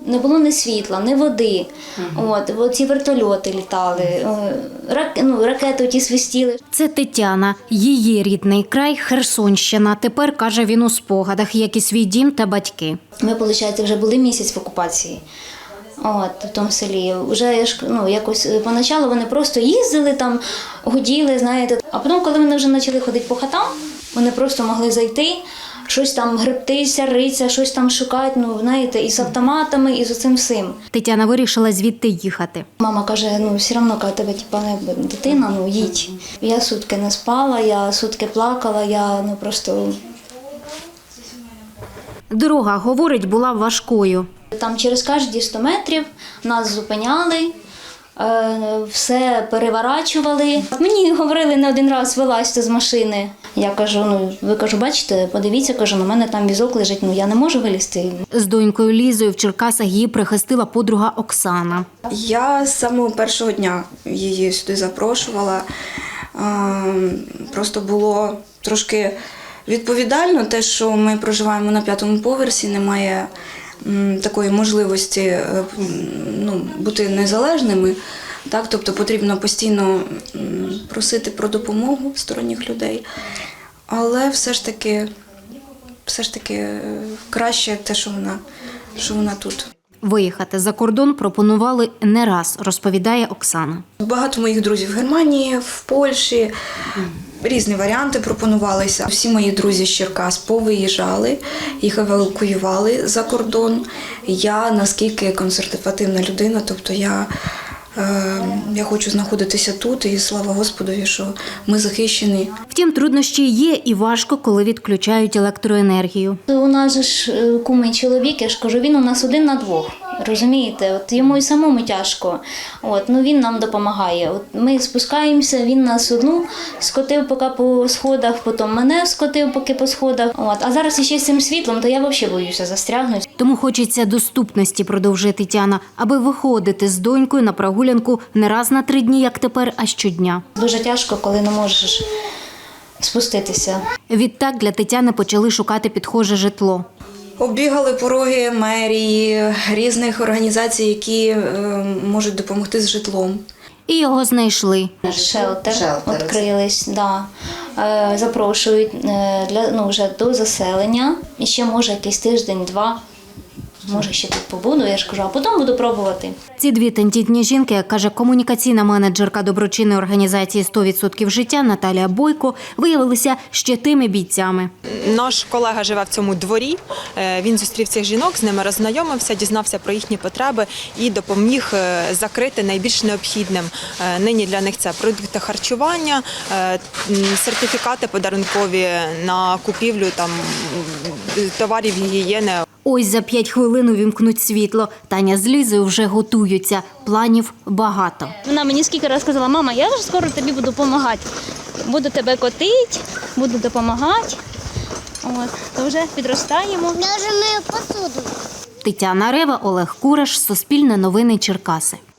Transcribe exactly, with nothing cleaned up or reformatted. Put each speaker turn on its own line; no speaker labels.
Не було ні світла, ні води. Угу. От, от ці вертольоти літали, рак, ну, ракети ті свистіли.
Це Тетяна. Її рідний край – Херсонщина. Тепер, каже, він у спогадах, як і свій дім та батьки.
Ми, виходить, вже були місяць в окупації. От, в тому селі. Вже, ну, якось поначалу вони просто їздили там, гуділи, знаєте. А потім, коли вони вже почали ходити по хатам, вони просто могли зайти, щось там гребтися, ритися, щось там шукати, ну, знаєте, і з автоматами, і з цим всім.
Тетяна вирішила звідти їхати.
Мама каже, ну, все одно, коли тебе типу, дитина, ну, їдь. Я сутки не спала, я сутки плакала, я, ну, просто...
Дорога, говорить, була важкою.
Там через кожні сто метрів нас зупиняли, все переворачували. Мені говорили не один раз, вилазьте з машини. Я кажу, ну, ви, кажу, бачите, подивіться, кажу, на мене там візок лежить, ну, я не можу вилізти.
З донькою Лізою в Черкасах її прихистила подруга Оксана.
Я з самого першого дня її сюди запрошувала. Просто було трошки відповідально те, що ми проживаємо на п'ятому поверсі, немає такої можливості, ну, бути незалежними. Так, тобто потрібно постійно просити про допомогу сторонніх людей, але все ж таки, все ж таки краще те, що вона, що вона тут.
Виїхати за кордон пропонували не раз, розповідає Оксана.
Багато моїх друзів в Германії, в Польщі, різні варіанти пропонувалися. Всі мої друзі з Черкас повиїжджали, їх евакуювали за кордон. Я, наскільки консервативна людина, тобто я, е, я хочу знаходитися тут, і слава Господові, що ми захищені.
Втім, труднощі є і важко, коли відключають електроенергію.
У нас ж кумий чоловік, я ж кажу, він у нас один на двох. Розумієте, от йому і самому тяжко. От, ну він нам допомагає. От ми спускаємося, він нас одну скотив поки по сходах, потім мене скотив поки по сходах. От, а зараз іще з цим світлом, то я взагалі боюся застрягнути.
Тому хочеться доступності, продовжує Тетяна, аби виходити з донькою на прогулянку не раз на три дні, як тепер, а щодня.
Дуже тяжко, коли не можеш спуститися.
Відтак для Тетяни почали шукати підхоже житло.
Оббігали пороги мерії, різних організацій, які е, можуть допомогти з житлом.
І його знайшли.
Шелтер відкрились, да. Е, запрошують е, для, ну, вже до заселення. І ще, може, якийсь тиждень-два, може, ще тут побуду, я ж кажу, а потім буду пробувати.
Ці дві тендітні жінки, як каже комунікаційна менеджерка доброчинної організації «сто відсотків життя» Наталія Бойко, виявилися ще тими бійцями.
Наш колега живе в цьому дворі, він зустрів цих жінок, з ними роззнайомився, дізнався про їхні потреби і допоміг закрити найбільш необхідним. Нині для них це продукти харчування, сертифікати подарункові на купівлю там, товарів гігієни.
Ось за п'ять хвилин увімкнуть світло. Таня з Лізою вже готуються. Планів багато.
Вона мені скільки разів сказала, мама, я вже скоро тобі буду допомагати. Буду тебе котити, буду допомагати. От, то вже підростаємо.
Я вже мию посуду.
Тетяна Рева, Олег Кураш, Суспільне новини, Черкаси.